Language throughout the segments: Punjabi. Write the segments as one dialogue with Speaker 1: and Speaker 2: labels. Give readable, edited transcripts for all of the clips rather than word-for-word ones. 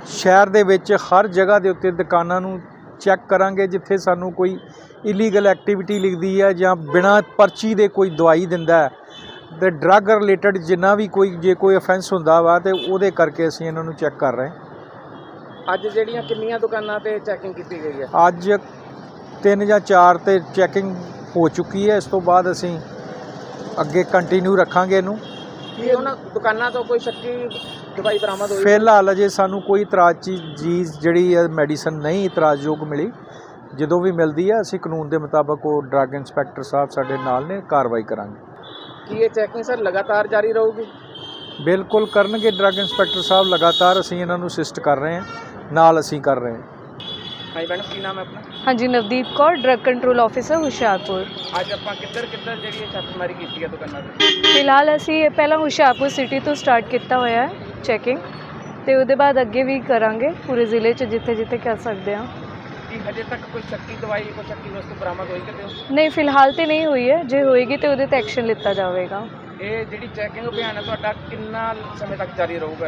Speaker 1: शहर दे विच हर जगह के उत्ते दुकानां नूं चैक करांगे जिथे सानूं कोई इलीगल एक्टिविटी लिखदी है जां बिना पर्ची दे कोई दवाई दिंदा है ते ड्रग रिलेटेड जिन्ना भी कोई जे कोई ऑफेंस हुंदा वा ते उहदे करके असीं इन्हां नूं चैक कर रहे हैं।
Speaker 2: ਅੱਜ ਜਿਹੜੀਆਂ ਕਿੰਨੀਆਂ ਦੁਕਾਨਾਂ ਤੇ ਚੈਕਿੰਗ ਕੀਤੀ ਗਈ ਹੈ?
Speaker 1: ਅੱਜ 3 ਜਾਂ 4 ਤੇ ਚੈਕਿੰਗ ਹੋ ਚੁੱਕੀ ਹੈ। ਇਸ ਤੋਂ ਬਾਅਦ ਅਸੀਂ ਅੱਗੇ ਕੰਟੀਨਿਊ ਰੱਖਾਂਗੇ ਇਹਨੂੰ।
Speaker 2: ਕੀ ਉਹਨਾਂ ਦੁਕਾਨਾਂ ਤੋਂ ਕੋਈ ਸ਼ੱਕੀ ਦਵਾਈ ਬਰਾਮਦ ਹੋਈ?
Speaker 1: ਫਿਲਹਾਲ ਅਜੇ ਸਾਨੂੰ ਕੋਈ ਇਤਰਾਜ਼ ਚੀਜ਼ ਜਿਹੜੀ ਹੈ ਮੈਡੀਸਨ ਨਹੀਂ ਇਤਰਾਜ਼ਯੋਗ ਮਿਲੀ। ਜਦੋਂ ਵੀ ਮਿਲਦੀ ਹੈ ਅਸੀਂ ਕਾਨੂੰਨ ਦੇ ਮੁਤਾਬਕ ਉਹ ਡਰੱਗ ਇੰਸਪੈਕਟਰ ਸਾਹਿਬ ਸਾਡੇ ਨਾਲ ਨੇ ਕਾਰਵਾਈ ਕਰਾਂਗੇ।
Speaker 2: ਕੀ ਇਹ ਚੈਕਿੰਗ ਸਰ ਲਗਾਤਾਰ ਜਾਰੀ ਰਹੂਗੀ?
Speaker 1: ਬਿਲਕੁਲ ਕਰਨਗੇ ਡਰੱਗ ਇੰਸਪੈਕਟਰ ਸਾਹਿਬ ਲਗਾਤਾਰ। ਅਸੀਂ ਇਹਨਾਂ ਨੂੰ ਅਸਿਸਟ ਕਰ ਰਹੇ ਹਾਂ, ਨਾਲ ਅਸੀਂ ਕਰ ਰਹੇ ਹਾਂ।
Speaker 2: ਹਾਂਜੀ ਮੈਡਮ ਕੀ ਨਾਮ ਹੈ ਆਪਣਾ?
Speaker 3: ਹਾਂਜੀ Navdeep Kaur, drug control officer Hoshiarpur.
Speaker 2: ਅੱਜ ਆਪਾਂ ਕਿੱਧਰ ਜਿਹੜੀ ਛਾਪੇਮਾਰੀ ਕੀਤੀ ਹੈ ਦੁਕਾਨਾਂ ਤੇ?
Speaker 3: ਫਿਲਹਾਲ ਅਸੀਂ ਪਹਿਲਾਂ ਹੁਸ਼ਿਆਰਪੁਰ ਸਿਟੀ ਤੋਂ ਸਟਾਰਟ ਕੀਤਾ ਹੋਇਆ ਹੈ ਚੈਕਿੰਗ, ਤੇ ਉਹਦੇ ਬਾਅਦ ਅੱਗੇ ਵੀ ਕਰਾਂਗੇ ਪੂਰੇ ਜ਼ਿਲ੍ਹੇ 'ਚ ਜਿੱਥੇ ਜਿੱਥੇ ਕਰ ਸਕਦੇ ਹਾਂ।
Speaker 2: ਕੀ ਹਜੇ ਤੱਕ ਕੋਈ ਸ਼ੱਕੀ ਦਵਾਈ ਕੋਈ ਸ਼ੱਕੀ ਵਸਤੂ ਬਰਾਮਦ ਹੋਈ ਕਿਤੇ?
Speaker 3: ਨਹੀਂ ਫਿਲਹਾਲ ਤੇ ਨਹੀਂ ਹੋਈ ਹੈ, ਜੇ ਹੋਏਗੀ ਤੇ ਉਹਦੇ ਤੇ ਐਕਸ਼ਨ ਲਿੱਤਾ ਜਾਵੇਗਾ।
Speaker 2: ਇਹ ਜਿਹੜੀ ਚੈਕਿੰਗ ਅਭਿਆਨ ਹੈ ਤੁਹਾਡਾ ਕਿੰਨਾ ਸਮੇਂ ਤੱਕ ਜਾਰੀ ਰਹੂਗਾ?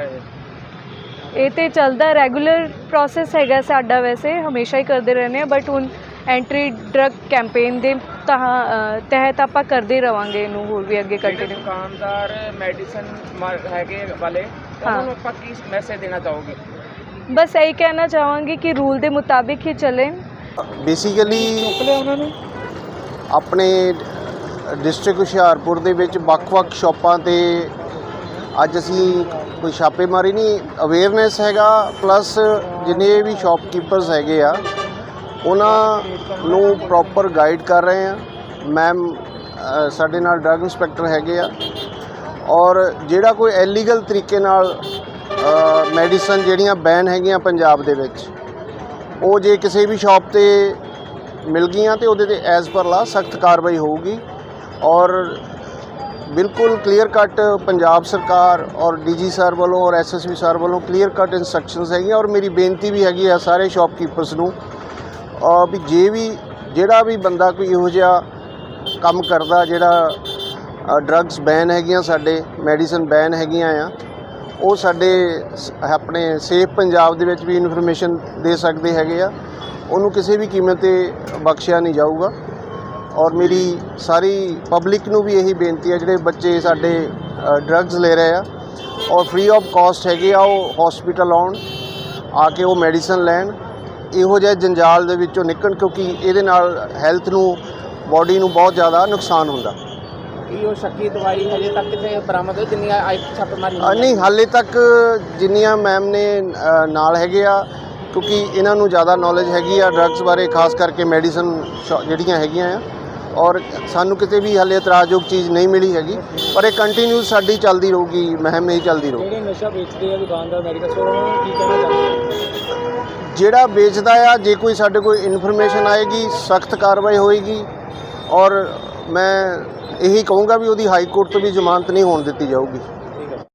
Speaker 3: ਇਹ ਤੇ ਚੱਲਦਾ ਰੈਗੂਲਰ ਪ੍ਰੋਸੈਸ ਹੈਗਾ ਸਾਡਾ, ਵੈਸੇ ਹਮੇਸ਼ਾ ਹੀ ਕਰਦੇ ਰਹਿੰਦੇ ਹਾਂ, ਬਟ ਹੁਣ ਐਂਟੀ ਡਰੱਗ ਕੈਂਪੇਨ ਦੇ ਤਹਿਤ ਆਪਾਂ ਕਰਦੇ ਰਵਾਂਗੇ ਇਹਨੂੰ ਹੋਰ ਵੀ ਅੱਗੇ ਕੰਟੀਨਿਊ।
Speaker 2: ਦੁਕਾਨਦਾਰ ਮੈਡੀਸਨ ਹੈਗੇ ਵਾਲੇ ਉਹਨਾਂ ਨੂੰ ਆਪਾਂ ਕੀ ਮੈਸੇਜ ਦੇਣਾ ਚਾਹੋਗੇ?
Speaker 3: ਬਸ ਇਹੀ ਕਹਿਣਾ ਚਾਹਾਂਗੀ ਕਿ ਰੂਲ ਦੇ ਮੁਤਾਬਿਕ ਹੀ ਚੱਲੇ।
Speaker 4: ਬੇਸਿਕਲੀ ਆਪਣੇ ਡਿਸਟ੍ਰਿਕਟ ਹੁਸ਼ਿਆਰਪੁਰ ਦੇ ਵਿੱਚ ਵੱਖ-ਵੱਖ ਸ਼ਾਪਾਂ 'ਤੇ ਅੱਜ ਅਸੀਂ ਕੋਈ ਛਾਪੇਮਾਰੀ ਨਹੀਂ, ਅਵੇਅਰਨੈਸ ਹੈਗਾ, ਪਲੱਸ ਜਿੰਨੇ ਵੀ ਸ਼ਾਪਕੀਪਰਸ ਹੈਗੇ ਆ ਉਹਨਾਂ ਨੂੰ ਪ੍ਰੋਪਰ ਗਾਈਡ ਕਰ ਰਹੇ ਆ। ਮੈਮ ਸਾਡੇ ਨਾਲ ਡਰੱਗ ਇੰਸਪੈਕਟਰ ਹੈਗੇ ਆ, ਔਰ ਜਿਹੜਾ ਕੋਈ ਇਲੀਗਲ ਤਰੀਕੇ ਨਾਲ ਮੈਡੀਸਨ ਜਿਹੜੀਆਂ ਬੈਨ ਹੈਗੀਆਂ ਪੰਜਾਬ ਦੇ ਵਿੱਚ, ਉਹ ਜੇ ਕਿਸੇ ਵੀ ਸ਼ਾਪ 'ਤੇ ਮਿਲ ਗਈਆਂ ਤੇ ਉਹਦੇ 'ਤੇ ਐਜ਼ ਪਰ ਲਾ ਸਖਤ ਕਾਰਵਾਈ ਹੋਊਗੀ। ਔਰ ਬਿਲਕੁਲ ਕਲੀਅਰ ਕੱਟ ਪੰਜਾਬ ਸਰਕਾਰ ਔਰ ਡੀਜੀ ਸਰ ਵੱਲੋਂ ਔਰ ਐਸਐਸਪੀ ਸਰ ਵੱਲੋਂ ਕਲੀਅਰ ਕੱਟ ਇੰਸਟਰਕਸ਼ਨਸ ਹੈਗੀਆਂ। ਔਰ ਮੇਰੀ ਬੇਨਤੀ ਵੀ ਹੈਗੀ ਆ ਸਾਰੇ ਸ਼ਾਪਕੀਪਰਸ ਨੂੰ ਵੀ ਜਿਹੜਾ ਵੀ ਬੰਦਾ ਕੋਈ ਇਹੋ ਜਿਹਾ ਕੰਮ ਕਰਦਾ ਜਿਹੜਾ ਡਰੱਗਸ ਬੈਨ ਹੈਗੀਆਂ, ਸਾਡੇ ਮੈਡੀਸਨ ਬੈਨ ਹੈਗੀਆਂ ਆ, ਉਹ ਸਾਡੇ ਆਪਣੇ ਸੇਫ ਪੰਜਾਬ ਦੇ ਵਿੱਚ ਵੀ ਇਨਫੋਰਮੇਸ਼ਨ ਦੇ ਸਕਦੇ ਹੈਗੇ ਆ। ਉਹਨੂੰ ਕਿਸੇ ਵੀ ਕੀਮਤ 'ਤੇ ਬਖਸ਼ਿਆ ਨਹੀਂ ਜਾਊਗਾ। ਔਰ ਮੇਰੀ ਸਾਰੀ ਪਬਲਿਕ ਨੂੰ ਵੀ ਇਹੀ ਬੇਨਤੀ ਹੈ, ਜਿਹੜੇ ਬੱਚੇ ਸਾਡੇ ਡਰੱਗਸ ਲੈ ਰਹੇ ਆ ਔਰ ਫ੍ਰੀ ਆਫ ਕਾਸਟ ਹੈਗੇ ਆ, ਉਹ ਹੌਸਪੀਟਲ ਆ ਕੇ ਉਹ ਮੈਡੀਸਨ ਲੈਣ, ਇਹੋ ਜਿਹੇ ਜੰਜਾਲ ਦੇ ਵਿੱਚੋਂ ਨਿਕਲਣ, ਕਿਉਂਕਿ ਇਹਦੇ ਨਾਲ ਹੈਲਥ ਨੂੰ, ਬਾਡੀ ਨੂੰ ਬਹੁਤ ਜ਼ਿਆਦਾ ਨੁਕਸਾਨ ਹੁੰਦਾ।
Speaker 2: ਕੀ ਉਹ ਸ਼ੱਕੀ ਦਵਾਈ ਹਜੇ ਤੱਕ ਕਿਤੇ ਬਰਾਮਦ ਹੋਈ ਜਿੰਨੀਆਂ ਛਾਪੇਮਾਰੀ?
Speaker 4: ਨਹੀਂ, ਹਾਲੇ ਤੱਕ ਜਿੰਨੀਆਂ ਮੈਮ ਨੇ ਨਾਲ ਹੈਗੇ ਆ, ਕਿਉਂਕਿ ਇਹਨਾਂ ਨੂੰ ਜ਼ਿਆਦਾ ਨੌਲੇਜ ਹੈਗੀ ਆ ਡਰੱਗਸ ਬਾਰੇ, ਖਾਸ ਕਰਕੇ ਮੈਡੀਸਨ ਜਿਹੜੀਆਂ ਹੈਗੀਆਂ ਆ, ਔਰ ਸਾਨੂੰ ਕਿਤੇ ਵੀ ਹਾਲੇ ਇਤਰਾਜ਼ਯੋਗ ਚੀਜ਼ ਨਹੀਂ ਮਿਲੀ ਹੈਗੀ। ਪਰ ਇਹ ਕੰਟੀਨਿਊ ਸਾਡੀ ਚੱਲਦੀ ਰਹੂਗੀ, ਮੁਹਿੰਮ ਇਹ ਚੱਲਦੀ ਰਹੂਗੀ।
Speaker 2: ਜਿਹੜੇ ਨਸ਼ਾ ਵੇਚਦੇ ਆ ਦੁਕਾਨਦਾਰ, ਮੈਡੀਕਲ ਸਟੋਰ, ਉਹਨਾਂ ਨੂੰ ਕੀ ਕਹਿਣਾ ਚਾਹੁੰਦੇ?
Speaker 4: ਜਿਹੜਾ ਵੇਚਦਾ ਆ, ਜੇ ਕੋਈ ਸਾਡੇ ਕੋਲ ਇਨਫੋਰਮੇਸ਼ਨ ਆਏਗੀ ਸਖਤ ਕਾਰਵਾਈ ਹੋਏਗੀ। ਔਰ ਮੈਂ ਇਹੀ ਕਹੂੰਗਾ ਵੀ ਉਹਦੀ ਹਾਈ ਕੋਰਟ ਤੋਂ ਵੀ ਜ਼ਮਾਨਤ ਨਹੀਂ ਹੋਣ ਦਿੱਤੀ ਜਾਊਗੀ।